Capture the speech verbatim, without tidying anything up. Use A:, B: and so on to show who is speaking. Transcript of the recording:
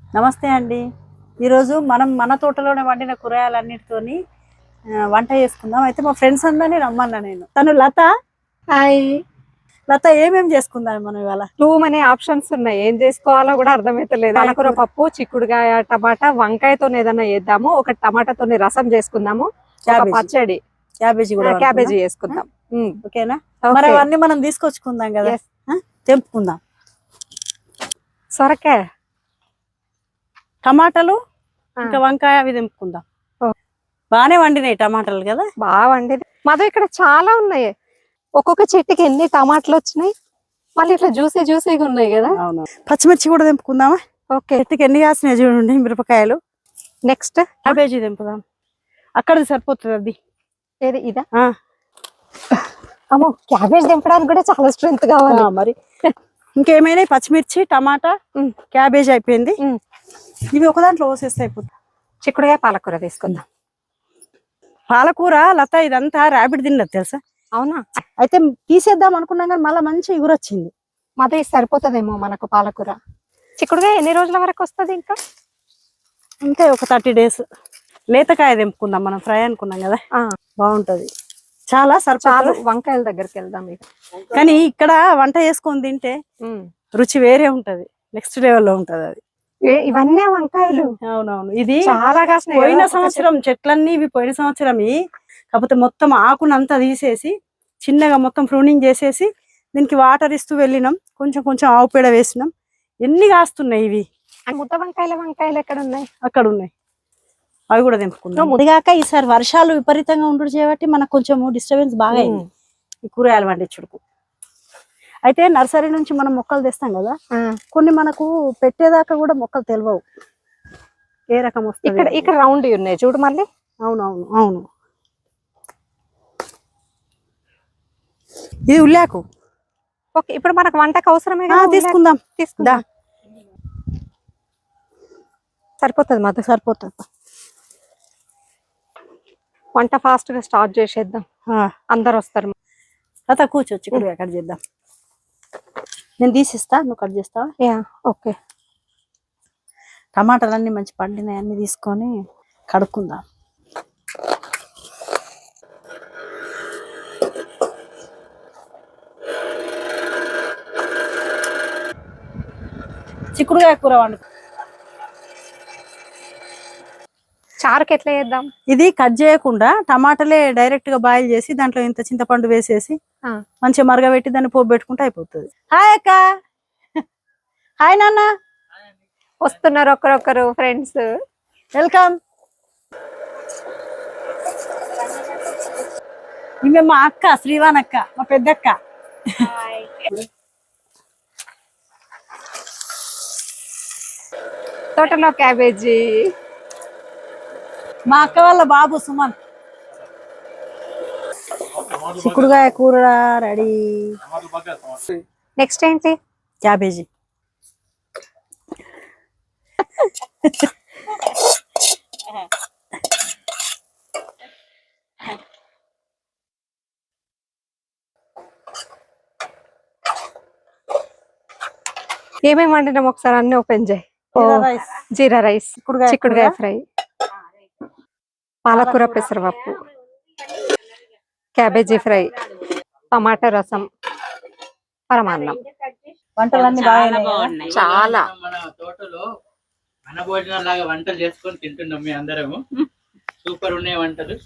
A: నమస్తే అండి. ఈరోజు మనం మన తోటలోనే వండిన కూరగాయలన్నిటితోని వంట చేసుకుందాం. అయితే మా ఫ్రెండ్స్ అందరినీ రమ్మన్నా నేను. తను లత.
B: హాయ్
A: లత, ఏమేమి చేసుకుందాం మనం ఇవాళ?
B: టూ మనీ ఆప్షన్స్ ఉన్నాయి, ఏం చేసుకోవాలో కూడా అర్థమైతలేదు. పాలకూర పప్పు, చిక్కుడుకాయ, టమాటా, వంకాయతో ఏదైనా చేద్దాము. ఒక టమాటాతో రసం చేసుకుందాము, పచ్చడి,
A: క్యాబేజీ కూడా
B: క్యాబేజీ చేసుకుందాం.
A: ఓకేనా? మరి అవన్నీ మనం తీసుకొచ్చుకుందాం కదా, తెంపుకుందాం.
B: సొరకాయ,
A: టమాటాలు, ఇంకా వంకాయ అవి తెంపుకుందాం. బాగానే వండినాయి టమాటాలు కదా,
B: బాగా వండినాయి. మాది ఇక్కడ చాలా ఉన్నాయి, ఒక్కొక్క చెట్టుకి ఎన్ని టమాటాలు వచ్చినాయి, మళ్ళీ ఇట్లా జ్యూసీ జ్యూసీగా ఉన్నాయి కదా.
A: అవును. పచ్చిమిర్చి కూడా తెంపుకుందామా?
B: ఓకే.
A: చెట్టుకి ఎన్ని కాసినాయి చూడండి మిరపకాయలు.
B: Next
A: cabbage తెంపుదాం. అక్కడిది సరిపోతుంది. అది
B: ఏది ఇదా? అమ్మో, క్యాబేజ్ తెంపడానికి కూడా చాలా స్ట్రెంత్ కావాలి
A: మరి. ఇంకేమైనా పచ్చిమిర్చి, టమాటా, క్యాబేజ్ అయిపోయింది. ఇవి ఒక దాంట్లో పోసేస్తే అయిపోతుంది.
B: చిక్కుడుగా పాలకూర తీసుకుందాం.
A: పాలకూర లత ఇదంతా ర్యాబిట్ తిన్నది తెలుసా?
B: అవునా?
A: అయితే తీసేద్దాం అనుకున్నాం కానీ మళ్ళీ మంచి ఎగురు వచ్చింది.
B: మాది సరిపోతుందేమో మనకు పాలకూర. చిక్కుడుగా ఎన్ని రోజుల వరకు వస్తుంది? ఇంకా
A: ఇంకా ఒక థర్టీ డేస్. లేతకాయ తెంపుకుందాం, మనం ఫ్రై అనుకున్నాం కదా, బాగుంటది. చాలా సరిచాలు.
B: వంకాయల దగ్గరికి వెళ్దాం.
A: కానీ ఇక్కడ వంట చేసుకొని తింటే రుచి వేరే ఉంటది, నెక్స్ట్ లెవెల్లో ఉంటది అది.
B: ఇవన్నీ వంకాయలు.
A: అవునవును. ఇది
B: చాలా
A: పోయిన సంవత్సరం చెట్లన్నీ ఇవి పోయిన సంవత్సరం, కాకపోతే మొత్తం ఆకునంతా తీసేసి చిన్నగా మొత్తం ప్రూనింగ్ చేసేసి దీనికి వాటర్ ఇస్తూ వెళ్ళినాం. కొంచెం కొంచెం ఆవు పేడ వేసినాం. ఎన్ని కాస్తున్నాయి ఇవి.
B: ముద్ద వంకాయల వంకాయలు ఎక్కడ ఉన్నాయి?
A: అక్కడ ఉన్నాయి, అవి కూడా తెంపుకుందాం. ముదిగాక ఈసారి వర్షాలు విపరీతంగా ఉండడు చేయబట్టి మనకు కొంచెం డిస్టర్బెన్స్ బాగా అయింది ఈ కూరగాయలు పండించుడుకు. అయితే నర్సరీ నుంచి మనం మొక్కలు తెస్తాం కదా, కొన్ని మనకు పెట్టేదాకా కూడా మొక్కలు తెలియవు ఏ రకం వస్తుంది.
B: ఇక్కడ ఇక్కడ రౌండ్ ఉన్నాయి చూడు మళ్ళీ.
A: అవునవును అవును. ఇది ఉల్లాకు.
B: ఓకే, ఇప్పుడు మనకు వంటకు అవసరమే,
A: తీసుకుందాం.
B: తీసుకుందాం. సరిపోతుంది మాకు,
A: సరిపోతుంది.
B: వంట ఫాస్ట్ గా స్టార్ట్ చేసేద్దాం, అందరు వస్తారు.
A: తర్వాత కూర్చోవచ్చు, ఇక్కడ కట్ చేద్దాం. నేను తీసిస్తా, నువ్వు కట్ చేస్తావా?
B: Yeah okay.
A: టమాటాలన్నీ మంచి పండినాయి, అన్ని తీసుకొని కడుక్కుందాం. చిక్కుడుకాయ కూర వండు.
B: చారుకి ఎట్లా చేద్దాం?
A: ఇది కట్ చేయకుండా టమాటాలే డైరెక్ట్ గా బాయిల్ చేసి దాంట్లో ఇంత చింతపండు వేసేసి మంచిగా మరగబెట్టి దాన్ని పోపు పెట్టుకుంటే అయిపోతుంది. హాయ్ అక్క. హాయ్ నాన్న.
B: వస్తున్నారు ఒకరొకరు ఫ్రెండ్స్.
A: వెల్కమ్. ఈమె మా అక్క, శ్రీవాన్ అక్క, మా పెద్దక్క.
B: తోటలో క్యాబేజీ.
A: మా అక్క వాళ్ళ బాబు సుమన్. చిక్కుడుకాయ కూర రెడీ.
B: నెక్స్ట్ ఏంటి?
A: క్యాబేజీ.
B: ఏమేమి వండినాం ఒకసారి అన్ని ఓపెన్ చేయి. జీరా రైస్, చిక్కుడుకాయ ఫ్రై, పాలకూర పెసరపప్పు, క్యాబేజీ ఫ్రై, టమాటా రసం, పరమాన్నం.
A: వంటలన్నీ బాగా బాగున్నాయి.
B: చాలా
C: మన తోటలో అన్న భోజనం లాగా వంటలు చేసుకొని తింటున్నాం మీ అందరము. సూపర్ ఉన్నాయి వంటలు.